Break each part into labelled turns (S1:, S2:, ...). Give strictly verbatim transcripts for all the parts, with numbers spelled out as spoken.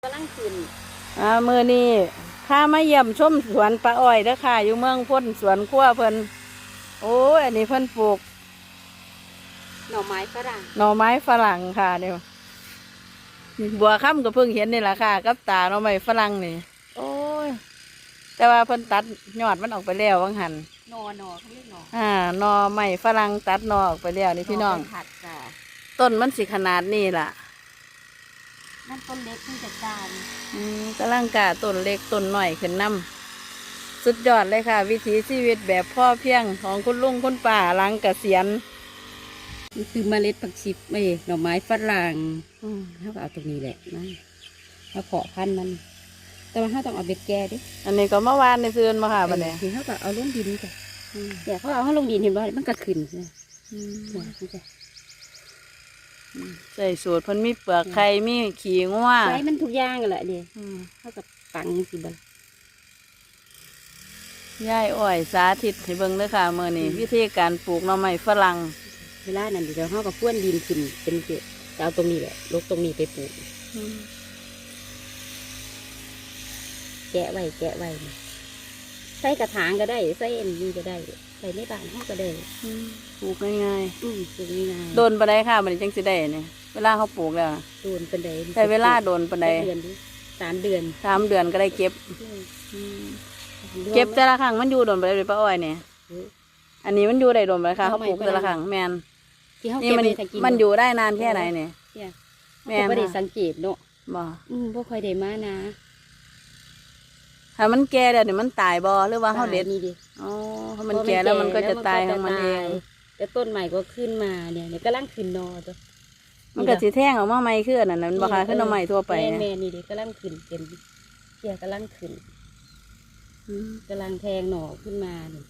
S1: กำลังขึ้น
S2: อ่ามือนี้ข้ามาเยี่ยมชมสวนปลาอ้อยเด้อค่ะอยู่เมืองพ้นสวนขั้วเพิ่นโอ้ยอันนี้เพิ่นปลูก
S1: หน่อไม้ฝรั่ง
S2: หน่อไม้ฝรั่งค่ะเดี๋ยวบัวค่ำก็เพิ่งเห็นนี่แหละค่ะกับตาหน่อไม้ฝรั่งนี่โอ้ยแต่ว่าเพิ่นตัดยอดมันออกไปแล้ววังหัน
S1: หน่อหน่อเขาเรียกหน่อ
S2: อ่าหน่อไม้ฝรั่งตัดหน่อออกไปแล้วนี่พี่น้อง
S1: ผัดจ้ะ
S2: ต้นมันสิขนาดนี้ล่ะ
S1: นั่นต้นเล็กที่จัดการ
S2: อืมกำลังกะต้นเล็กต้นหน่อยขึ้นน้ำสุดยอดเลยค่ะวิถีชีวิตแบบพ่อเพียงของคุณลุงคุณป้าหลังเกษียณ
S1: นี่คือเมล็ดผักชีไม่หน่อไม้ฝรั่งเขาก็เอาตรงนี้แหละนะเขาเพาะพันธุ์มันแต่ว่าเขาต้องเอาเบ็ดแก่ดิ
S2: อันนี้ก็เมื่อวานในซื้อมาค่ะบัดนี้
S1: คือเขาก็เอาลงดินจ้ะเดี๋ยวเขาเอาเขาลงดินเห็นว่ามันก็ขึ้นนะ
S2: ใส่สูตรเพิ่นมีเปลือกไข่มีขี้งัว
S1: ใส่มันทุกอย่างแหละเดี๋ยวเขากับปังสิบัง
S2: ย่ายอ้อยสาธิตให้เบิ่งเลยค่ะเมื่อนี้วิธีการปลูกหน่อไม้ฝรั่ง
S1: เวลานั้นเดี๋ยวเขากับพ้วนดินขึ้นเป็นเกล็ดจะเอาตรงนี้แหละลกตรงนี้ไปปลูกแกะไว้แกะไว้ใส่กระถางก็ได้ใส่เอ็นนี่ก็ได้ใส่ในบ้านเขาก็ได้
S2: ปลูกง่าย
S1: ๆอืมปลูกง่าย
S2: ๆโดนปานใดค่ะมันจังสิได้เนี่ยเวลาเขาปลูกแล้ว
S1: โดนปานใด
S2: ใช้เวลาโดนปานใด
S1: เดือนสามเดือน
S2: สามเดือนก็ได้เก็บเก็บแต่ละครั้งมันอยู่โดนปานใดเลยป้าอ้อยเนี่ยอันนี้มันอยู่ได้โดนปานใดค่ะเขาปลูกแต่ละครั้งแมนนี่มันมันอยู่ได้นานแค่ไหนเนี่ย
S1: แม่ไม่ได้สังเกตเนาะ
S2: บ่
S1: อืมบ่ค่อยได้มานะ
S2: ถ้ามันแก่แล้วเนี่ยมันตายบ่หรือว่าเขาเด็ด
S1: นี่ดิ
S2: อ๋อถ้ามันแก่แล้วมันก็จะตายของมันเอง
S1: แต่ต้นใหม่ก็ขึ้นมาเนี่ยเนี่ยกำลังขึ้นนอตัว
S2: มันก็สีแท่งออกมาใหม่ขึ้นนั่นมันบ่ค่ะขึ้นมาใหม่ทั่วไป
S1: แม่นี่ดิกำลังขึ้นเป็นเกี่ยกำลังขึ้นกำลังแทงหน่อขึ้นมาเนี่ย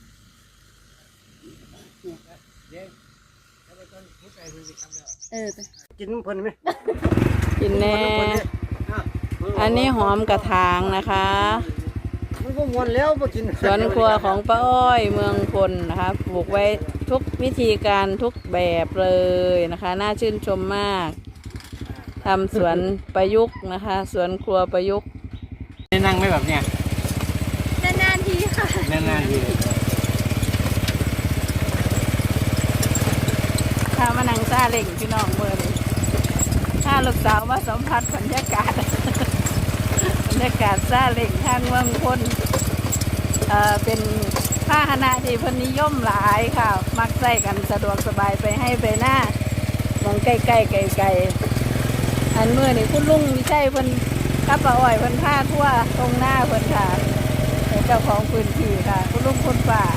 S1: เออ
S3: กินเพิ่นไหม
S2: กินแน่อันนี้หอมกระถางนะคะ
S3: มันก็มวนแล้วมากิน
S2: สวนครัวของป้าอ้อยเมืองพลนะคะปลูกไว้ทุกวิธีการทุกแบบเลยนะคะน่าชื่นชมมากทำสวนประยุกต์นะคะสวนครัวประยุกต์
S3: ได้นั่งไหมแบบเนี้ย
S1: นานๆทีค่ะ
S3: นานๆที
S2: ถ้ามานั่งซาเล่งพี่น้องเมื่อนี้ถ้าลูกสาวมาสัมผัสบรรยากาศบรรยากาศซาเล่งทางเมืองพลเอ่อเป็นพาหนะที่เพนิยมหลายค่ะมักใส่กันสะดวกสบายไปให้ไปหน้ามองใกล้ๆไกลๆอันเมื่อนี่คุณลุงวิชัยเพิ่นกับป้าอ้อยเพิ่นพาทั่วตรงหน้าเพิ่นค่ะเจ้าของพื้นที่ค่ะคุณลุงคุณป้า